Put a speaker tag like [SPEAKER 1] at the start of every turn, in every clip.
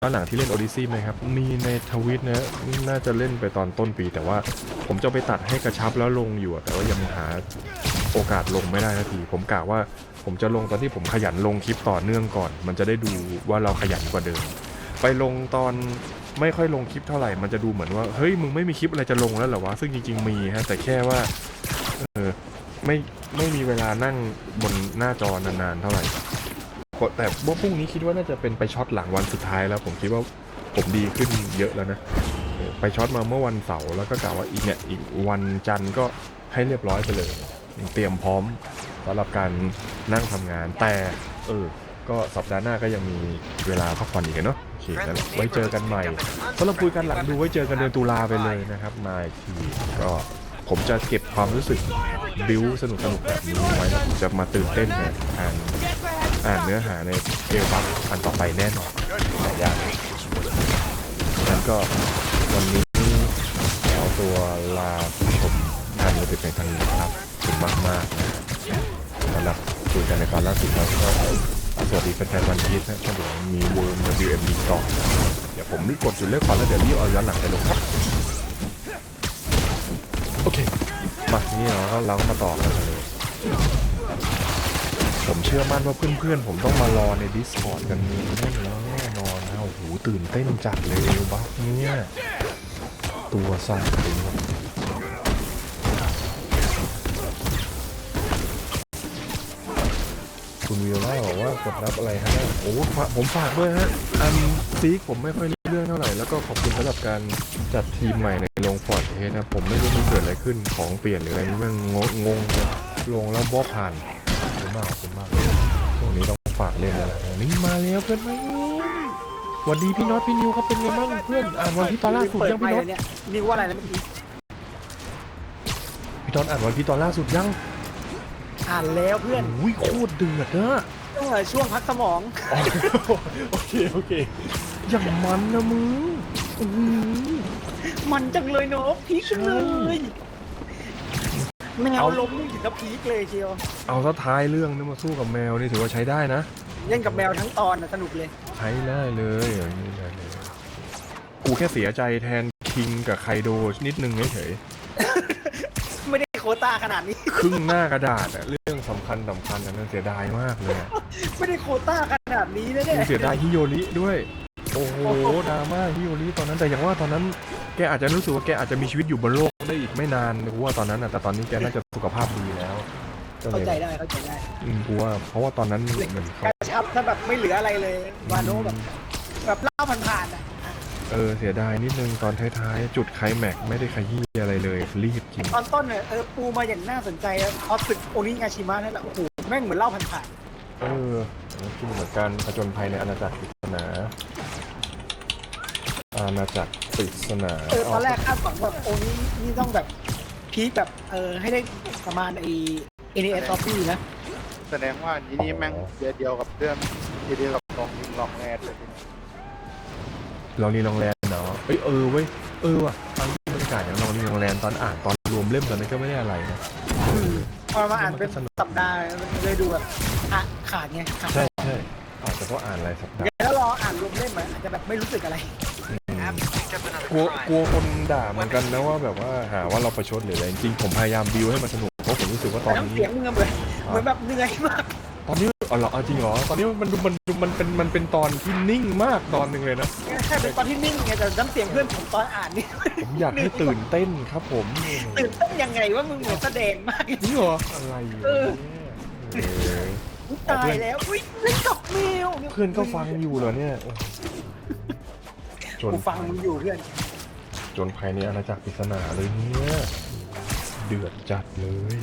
[SPEAKER 1] ย้อนหลังที่เล่น Odyssey ไหมครับมีในทวิตนะน่าจะเล่นไปตอนต้นปีแต่ว่าผมจะไปตัดให้กระชับแล้วลงอยู่แต่ว่ายังหาโอกาสลงไม่ได้นาทีผมกะว่าผมจะลงตอนที่ผมขยันลงคลิปต่อเนื่องก่อนมันจะได้ดูว่าเราขยันกว่าเดิมไปลงตอนไม่ค่อยลงคลิปเท่าไหร่มันจะดูเหมือนว่าเฮ้ยมึงไม่มีคลิปอะไรจะลงแล้วเหรอวะซึ่งจริงๆมีฮะแต่แค่ว่าไม่มีเวลานั่งบนหน้าจอนานๆเท่าไหร่แต่ว่าพรุ่งนี้คิดว่าน่าจะเป็นไปช็อตหลังวันสุดท้ายแล้วผมคิดว่าผมดีขึ้นเยอะแล้วนะไปช็อตมาเมื่อวันเสาร์แล้วก็กล่าวว่าอีกวันจันทร์ก็ให้เรียบร้อยไปเลยเตรียมพร้อมสำหรับการนั่งทำงานแต่ก็สัปดาห์หน้าก็ยังมีเวลาพักผ่อนอีกเนาะโอเคงั้นไว้เจอกันใหม่สำหรับคุยกันหลังดูไว้เจอกันเดือนตุลาไปเลยนะครับมาอีกทีก็ผมจะเก็บความรู้สึกบิวสนุกแบบนี้ไว้แล้วผมจะมาตื่นเต้นนะอ่านเนื้อหาในเอลบัคอันต่อไปแน่นอนแต่ยากงั้นก็วันนี้ขอตัวลาผู้ชมท่านไปเป็นทางนี้ครับขอบคุณมากๆนะสำหรับคุยกันในตอนล่าสุดแล้วก็สวัสดีแฟนๆวันพีชนะถ้าเดี๋ยวมีเวิร์ม WMD ต่อเดี๋ยวผมรีบกดจุดเลือกก่อนแล้วเดี๋ยวรีบเอาย้อนหลังไปลงครับโอเคมานี่เราก็มาต่อกันเลยผมเชื่อมั่นว่าเพื่อนๆผมต้องมารอใน Discord กันนี้แน่นอนนะโอ้โหตื่นเต้นจัดเลยบัฟเนี่ยตัวสั่นเลยคุณวิวล่าบอกว่ากดรับอะไรฮะโอ้ผมฝากด้วยฮะอันซีกผมไม่ค่อยรู้เรื่องเท่าไหร่แล้วก็ขอบคุณสำหรับการจัดทีมใหม่ในลงฟอร์ดเฮดนะผมไม่รู้มันเกิดอะไรขึ้นของเปลี่ยนหรืออะไรนี่มันงงลงแล้วบล็อกผ่านขอบคุณมากตรงนี้ต้องฝากเล่นแล้วนี่มาแล้วเพื่อนมาสวัสดีพี่น็อตพี่นิวเขาเป็นไงบ้างเพื่อนอ่านวันพี่ตอนล่าสุดยังพี่น็อต
[SPEAKER 2] นิวว่าอะไรนะเมื่อกี้
[SPEAKER 1] พี่น็อตอ่านวันพี่ตอนล่าสุดยัง
[SPEAKER 2] อ่านแล้วเพื่อน
[SPEAKER 1] อุ้ยโคตรเดือดนะ
[SPEAKER 2] ช่วงพักสมอง
[SPEAKER 1] โอเคอย่างมันนะมึง
[SPEAKER 2] มันจังเลยเนาะพีคเลยแมวล้มนี่ถึงกับพีคเลยเชียว
[SPEAKER 1] เอาซะท้ายเรื่องนี่มาสู้กับแมวนี่ถือว่าใช้ได้นะ
[SPEAKER 2] เล่นกับแมวทั้งตอนนะสนุกเลย
[SPEAKER 1] ใช้ได้เลยอย่างนี้ได้เลยกูแค่เสียใจแทนคิงกับไคโดนิดนึงเฉย
[SPEAKER 2] ไม่ได้โควต้าขนาดนี้
[SPEAKER 1] ครึ่งหน้ากระดาษเรื่องสำคัญนั้นเสียดายมากเลย
[SPEAKER 2] ไม่ได้โควต้าขนาดนี้นะเนี่ย
[SPEAKER 1] เสียดายฮิโยริด้วยโอ้โหดราม่าฮิโยริตอนนั้นแต่อย่างว่าตอนนั้นแกอาจจะรู้สึกว่าแกอาจจะมีชีวิตอยู่บนโลกได้อีกไม่นานกูว่าตอนนั้นแต่ตอนนี้แกน่าจะสุขภาพดีแล้ว
[SPEAKER 2] เข้าใจได้
[SPEAKER 1] กูว่าเพราะว่าตอนนั้นเหมือน
[SPEAKER 2] กระชับถ้าแบบไม่เหลืออะไรเลยวาโนแบบเล่าผ่านๆ
[SPEAKER 1] เสียดายนิดนึงตอนท้ายๆจุดไคลแม็กไม่ได้ขยี้อะไรเลยรีบจริง
[SPEAKER 2] ตอนต้นเนี่ยปูมาอย่างน่าสนใจพอศึกโอนิงาชิมะนั่นแหละโอ้โหแม่งเหมือนเล่าผ่าน
[SPEAKER 1] ๆคือเหมือนการผจญภัยในอาณาจักรปริศนา
[SPEAKER 2] ตอนแรกคาดหวังแบบโอนี่ต้องแบบพีคแบบให้ได้ประมาณNES Copy นะ
[SPEAKER 3] แสดงว่านี้แม่งเดียวกับเรื่องเดียวกับลองแรดเลย
[SPEAKER 1] ลองแลนเนาะเว้ยว่ะฟังบรรยากาศอย่างลองแลนตอนอ่านตอนรวมเล่มตอนนั้นก็ไม่ได้อะไรนะ
[SPEAKER 2] พอมาอ่านเป็นสัปดาห์เลยดูแบบขาดไง
[SPEAKER 1] ใช่อาจจะเพราะอ่านอะไรสัปดาห์
[SPEAKER 2] แล้วรออ่านรวมเล่มอาจจะแบบไม่รู้สึกอะไร
[SPEAKER 1] กลัวคนด่าเหมือนกันนะว่าแบบว่าหาว่าเราประชดหรืออะไรจริงผมพยายามบิวให้มันสนุกเพราะผมรู้สึกว่าตอนนี้
[SPEAKER 2] เสียงมึงเหมือนแบบเหนื่อยมาก
[SPEAKER 1] ตอนนี้จริงเหรอตอนนี้มันเป็นตอนที่นิ่งมากตอนหนึ่งเลยนะ
[SPEAKER 2] ใช่เป็นตอนที่นิ่งไงแต่น้ำเสียงเพื่อนผมตอนอ่านนี่
[SPEAKER 1] ผมอยากให้ตื่นเต้นครับผม
[SPEAKER 2] ตื่นเต้นยังไงว่ามึงเหมือนแสดงมาก
[SPEAKER 1] นี่เหรออะไร
[SPEAKER 2] ตายแล้วเล่นกับแมว
[SPEAKER 1] เพื่อนก็ฟังอยู่เหรอเนี่ย
[SPEAKER 2] กูฟังมึงอยู่เพื่อน
[SPEAKER 1] จนภายในอาณาจักรปริศนาเลยเนี่ยเดือดจัดเลย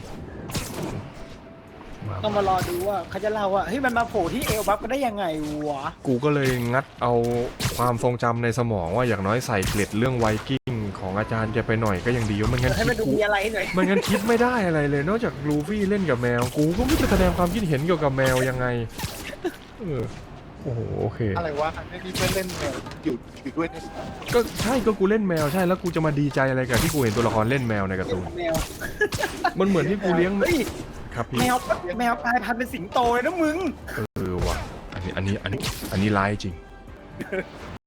[SPEAKER 2] ต้องมารอดูว่าเขาจะเล่าว่าเฮ้ยมันมาโผล่ที่เอลบัฟก็ได้ยังไงวะ
[SPEAKER 1] กูก็เลยงัดเอาความทรงจำในสมองว่าอย่างน้อยใส่เกล็ดเรื่องไวกิ้งของอาจารย์แกไปหน่อยก็ยังดีว่ามันงั้น
[SPEAKER 2] ให้มันดูมีอะไรหน่อย
[SPEAKER 1] มันงั้นคิดไม่ได้อะไรเลยนอกจากลูฟี่เล่นกับแมวกูก็ไม่จะแสดงความคิดเห็นเกี่ยวกับแมวยังไงโอ้โหโอเค
[SPEAKER 3] อะไรวะนี่เพื่อนเล่นแมวอยู่ด้วยนี่
[SPEAKER 1] ก็ใช่ก็กูเล่นแมวใช่แล้วกูจะมาดีใจอะไรกับที่กูเห็นตัวละครเล่นแมวในการ์ตูนมันเหมือนที่กูเลี้ยงครับพี่
[SPEAKER 2] แมวกลายพันธุ์เป็นสิงโตเลยนะมึง
[SPEAKER 1] ว่ะอันนี้ร้ายจริง